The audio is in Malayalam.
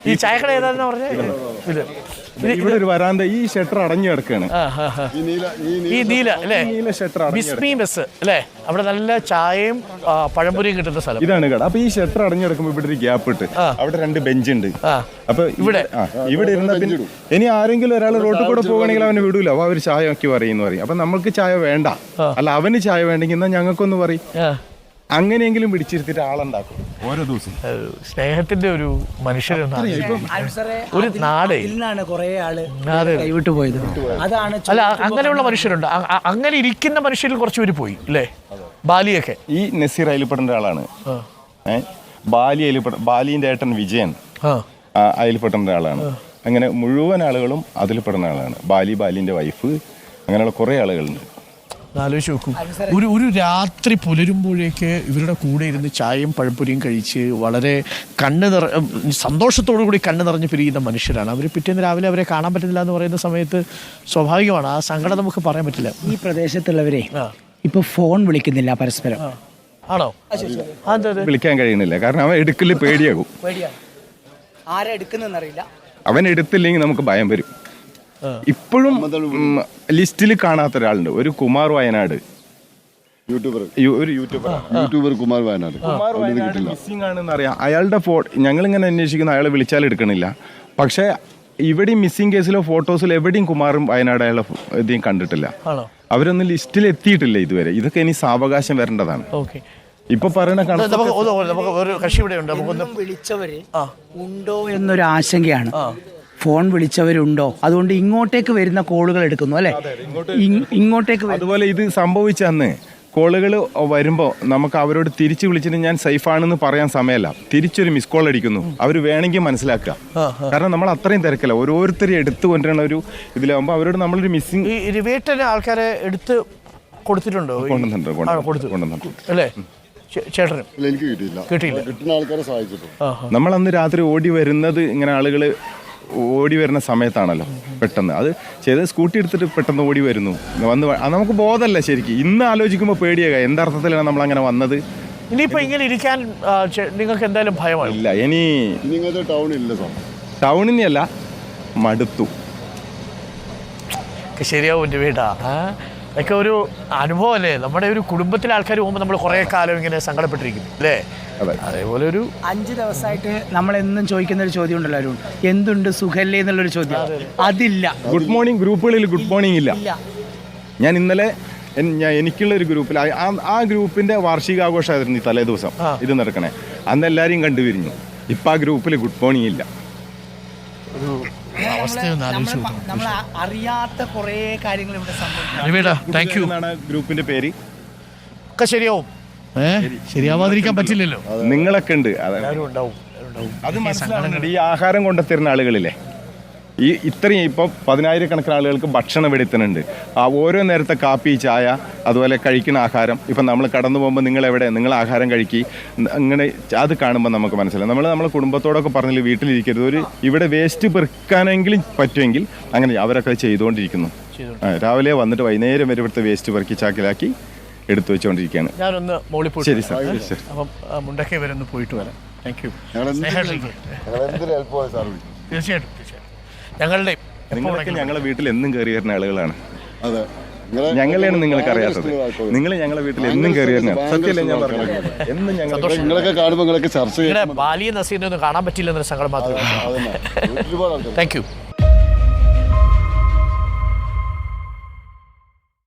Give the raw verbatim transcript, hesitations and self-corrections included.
ഈ ചായക്കട ഏതാണെന്ന് പറഞ്ഞാൽ ഇത് ഇവിടെ ഒരു വരാന്ത ഈ ഷട്ടർ അടഞ്ഞു കിടക്കാണ്. ഈ നീല അല്ലേ, ബിസ്മി ബസ് അല്ലേ, അവിടെ നല്ല ചായയും പഴംപൊരിയും കിട്ടുന്ന സ്ഥലം ഇതാണ് കട. അപ്പൊ ഈ ഷട്ടർ അടഞ്ഞു കിടക്കുമ്പോ ഇവിടെ ഒരു ഗ്യാപ്പ് ഇട്ട് അവിടെ രണ്ട് ബെഞ്ച് ഉണ്ട്. അപ്പൊ ഇവിടെ ഇവിടെ ഇരുന്ന പിന്നെ ഇനി ആരെങ്കിലും ഒരാൾ റോഡിൽ കൂടെ പോകണമെങ്കിൽ അവന് വിടൂല. അപ്പൊ അവര് ചായ ഒക്കെ പറയുന്നു പറയും. അപ്പൊ നമ്മൾക്ക് ചായ വേണ്ട, അല്ല അവന് ചായ വേണ്ടെങ്കിൽ എന്നാ ഞങ്ങൾക്കൊന്ന് പറയും. അങ്ങനെയെങ്കിലും പിടിച്ചിരുത്തിട്ട് ആളുണ്ടാക്കും ഓരോ ദിവസം. സ്നേഹത്തിന്റെ ഒരു മനുഷ്യരെന്നാണ് ഒരു നാട് കൈവിട്ടു പോയത്. അതാണ് അല്ല, അങ്ങനെയുള്ള മനുഷ്യരുണ്ട്. അങ്ങനെ ഇരിക്കുന്ന മനുഷ്യരിൽ കുറച്ച് പേര് പോയി അല്ലേ. ബാലിയൊക്കെ ഈ നസീർ അയൽപ്പെട്ട ആളാണ്. ഏഹ് ബാലി അയൽപ്പെട്ട ബാലിന്റെ ഏട്ടൻ വിജയൻ അയൽപ്പെട്ട ആളാണ്. അങ്ങനെ മുഴുവൻ ആളുകളും അതിൽ പെടുന്ന ആളാണ്. ബാലി, ബാലിന്റെ വൈഫ്, അങ്ങനെയുള്ള കുറെ ആളുകളുണ്ട്. ആലോചിച്ച് നോക്കൂ, ഒരു ഒരു രാത്രി പുലരുമ്പോഴേക്ക് ഇവരുടെ കൂടെ ഇരുന്ന് ചായയും പഴംപൊരിയും കഴിച്ച് വളരെ കണ്ണ് നിറ സന്തോഷത്തോടു കൂടി കണ്ണ് നിറഞ്ഞ് പിരിയുന്ന മനുഷ്യരാണ് അവർ. പിറ്റേന്ന് രാവിലെ അവരെ കാണാൻ പറ്റുന്നില്ല എന്ന് പറയുന്ന സമയത്ത് സ്വാഭാവികമാണ് ആ സങ്കടം നമുക്ക് പറയാൻ പറ്റില്ല. ഈ പ്രദേശത്തുള്ളവരെ ഇപ്പൊ ഫോൺ വിളിക്കുന്നില്ല പരസ്പരം. ആണോ? വിളിക്കാൻ കഴിയുന്നില്ല, കാരണം അവൻ എടുക്കല് പേടിയാകും. ആരാ എടുക്കുന്നറിയില്ല. അവൻ എടുത്തില്ലെങ്കിൽ നമുക്ക് ഭയം വരും. ഇപ്പോഴും ലിസ്റ്റിൽ കാണാത്ത ഒരാളുണ്ട്, ഒരു കുമാർ വയനാട് യൂട്യൂബർ ഒരു YouTuber YouTuber Kumar Wayanad Kumar Wayanad missing ആണെന്ന് അറിയാം. അയാളുടെ ഫോ ഞങ്ങളിങ്ങനെ അന്വേഷിക്കുന്ന അയാളെ വിളിച്ചാൽ എടുക്കണില്ല. പക്ഷെ ഇവിടെയും മിസ്സിംഗ് കേസിലോ ഫോട്ടോസിലോ എവിടെയും കുമാറും വയനാട് അയാളെ ഇதையும் കണ്ടിട്ടില്ല. അവരൊന്നും ലിസ്റ്റിൽ എത്തിയിട്ടില്ല ഇതുവരെ. ഇതൊക്കെ ഇനി സാവകാശം വരേണ്ടതാണ്. ഇപ്പൊ പറയുന്ന വിളിച്ചവര് ഉണ്ടോ എന്നൊരു ആശങ്കയാണ്. ഫോൺ വിളിച്ചവരുണ്ടോ, അതുകൊണ്ട് ഇങ്ങോട്ടേക്ക് വരുന്ന കോളുകൾ എടുക്കുന്നു അല്ലെ. ഇങ്ങോട്ടേക്ക് അതുപോലെ ഇത് സംഭവിച്ച അന്ന് കോളുകൾ വരുമ്പോൾ നമുക്ക് അവരോട് തിരിച്ചു വിളിച്ചിട്ട് ഞാൻ സേഫാണെന്ന് പറയാൻ സമയമല്ല, തിരിച്ചൊരു മിസ് കോൾ അടിക്കുന്നു. അവർ വേണമെങ്കിൽ മനസ്സിലാക്കുക, കാരണം നമ്മൾ അത്രയും തിരക്കല്ല. ഓരോരുത്തരും എടുത്തു കൊണ്ടുവരുന്ന ഒരു ഇതിലാകുമ്പോൾ അവരോട് നമ്മളൊരു മിസ്സിംഗ് ആൾക്കാരെ എടുത്ത് കൊടുത്തിട്ടുണ്ടോ? കൊണ്ടുവന്നിട്ടുണ്ട് അല്ലേ ചേട്ടനും എനിക്ക് കിട്ടിയില്ല. കിട്ടിയില്ല. കിട്ടുന്ന ആൾക്കാരെ സഹായിച്ചിട്ടുണ്ട്. നമ്മൾ അന്ന് രാത്രി ഓടി വരുന്നത് ഇങ്ങനെ ആളുകൾ ഓടി വരുന്ന സമയത്താണല്ലോ പെട്ടെന്ന് അത് ചെയ്ത് സ്കൂട്ടി എടുത്തിട്ട് പെട്ടെന്ന് ഓടി വരുന്നു വന്ന് നമുക്ക് ബോധമല്ല ശരിക്കും. ഇന്ന് ആലോചിക്കുമ്പോൾ പേടിയാക എന്തർത്ഥത്തിലാണ് നമ്മൾ അങ്ങനെ വന്നത്. ഇനിയിപ്പോ ഇങ്ങനെ ഇരിക്കാൻ നിങ്ങൾക്ക് എന്തായാലും ഭയമാണ്. ഇല്ല, ഇനി ടൗണില്ല സാർ, ടൗണിനെയല്ല മടുത്തു. ശരിയാവും എൻ്റെ വീടാ. അതൊക്കെ ഒരു അനുഭവം അല്ലേ. നമ്മുടെ ഒരു കുടുംബത്തിലെ ആൾക്കാർ പോകുമ്പോൾ നമ്മൾ കുറേ കാലം ഇങ്ങനെ സങ്കടപ്പെട്ടിരിക്കും അല്ലേ. അതേപോലെ ഒരു അഞ്ച് ദിവസമായിട്ട് നമ്മളെന്നും ചോദിക്കുന്ന ഒരു ചോദ്യം ഉണ്ടല്ലോ അരുൺ, എന്തുണ്ട് സുഖല്ലേ എന്നുള്ളൊരു ചോദ്യം. അതില്ല. ഗുഡ് മോർണിംഗ് ഗ്രൂപ്പുകളിൽ ഗുഡ് മോർണിംഗ് ഇല്ല. ഞാൻ ഇന്നലെ ഞാൻ എനിക്കുള്ള ഒരു ഗ്രൂപ്പിൽ ആ ഗ്രൂപ്പിന്റെ വാർഷികാഘോഷമായിരുന്നു ഈ തലേ ദിവസം ഇത് നടക്കണേ. അന്ന് എല്ലാവരെയും കണ്ടുപിരിഞ്ഞു. ഇപ്പം ആ ഗ്രൂപ്പിൽ ഗുഡ് മോർണിംഗ് ഇല്ല. നമ്മൾ അറിയാത്ത കുറേ കാര്യങ്ങൾ ഇവിടെ സംഭവിക്കും. ഗ്രൂപ്പിന്റെ പേര് ഒക്കെ ശരിയാവും. ശരിയാവാതിരിക്കാൻ പറ്റില്ലല്ലോ. നിങ്ങളൊക്കെ ഉണ്ട്, അത് മനസ്സിലാവുന്നുണ്ട്. ഈ ആഹാരം കൊണ്ടെത്തരുന്ന ആളുകളില്ലേ, ഈ ഇത്രയും ഇപ്പോൾ പതിനായിരക്കണക്കിന് ആളുകൾക്ക് ഭക്ഷണം എടുത്തുന്നുണ്ട്. ആ ഓരോ നേരത്തെ കാപ്പി, ചായ, അതുപോലെ കഴിക്കുന്ന ആഹാരം. ഇപ്പം നമ്മൾ കടന്നു പോകുമ്പോൾ നിങ്ങൾ എവിടെ നിങ്ങൾ ആഹാരം കഴിക്കി അങ്ങനെ അത് കാണുമ്പോൾ നമുക്ക് മനസ്സിലാവും. നമ്മൾ നമ്മളെ കുടുംബത്തോടൊക്കെ പറഞ്ഞില്ല വീട്ടിലിരിക്കരുത്, ഒരു ഇവിടെ വേസ്റ്റ് പെറുക്കാനെങ്കിലും പറ്റുമെങ്കിൽ അങ്ങനെ അവരൊക്കെ ചെയ്തുകൊണ്ടിരിക്കുന്നു. രാവിലെ വന്നിട്ട് വൈകുന്നേരം വരെ ഇവിടുത്തെ വേസ്റ്റ് പെറുക്കി ചാക്കിലാക്കി എടുത്തു വെച്ചുകൊണ്ടിരിക്കുകയാണ്. ഞാനൊന്ന് മോളിൽ പോയി. ശരി സാർ. അപ്പം മുണ്ടക്കൈ വരെ ഒന്ന് പോയിട്ട് വരാം. Thank you. തീർച്ചയായിട്ടും തീർച്ചയായിട്ടും ഞങ്ങളുടെ നിങ്ങളൊക്കെ ഞങ്ങളുടെ വീട്ടിൽ എന്നും കയറി വരുന്ന ആളുകളാണ്. ഞങ്ങളെയാണ് നിങ്ങൾക്ക് അറിയാത്തത്. നിങ്ങൾ ഞങ്ങളുടെ വീട്ടിൽ എന്നും കയറി വരുന്ന സത്യമല്ലേ ഞാൻ പറഞ്ഞത്. എന്നും ഞങ്ങളൊക്കെ കാണുമ്പോൾ ചർച്ച ബാലിയെ നസീറിനെ ഒന്നും കാണാൻ പറ്റില്ല എന്നൊരു സങ്കടം മാത്രമേ. Thank U.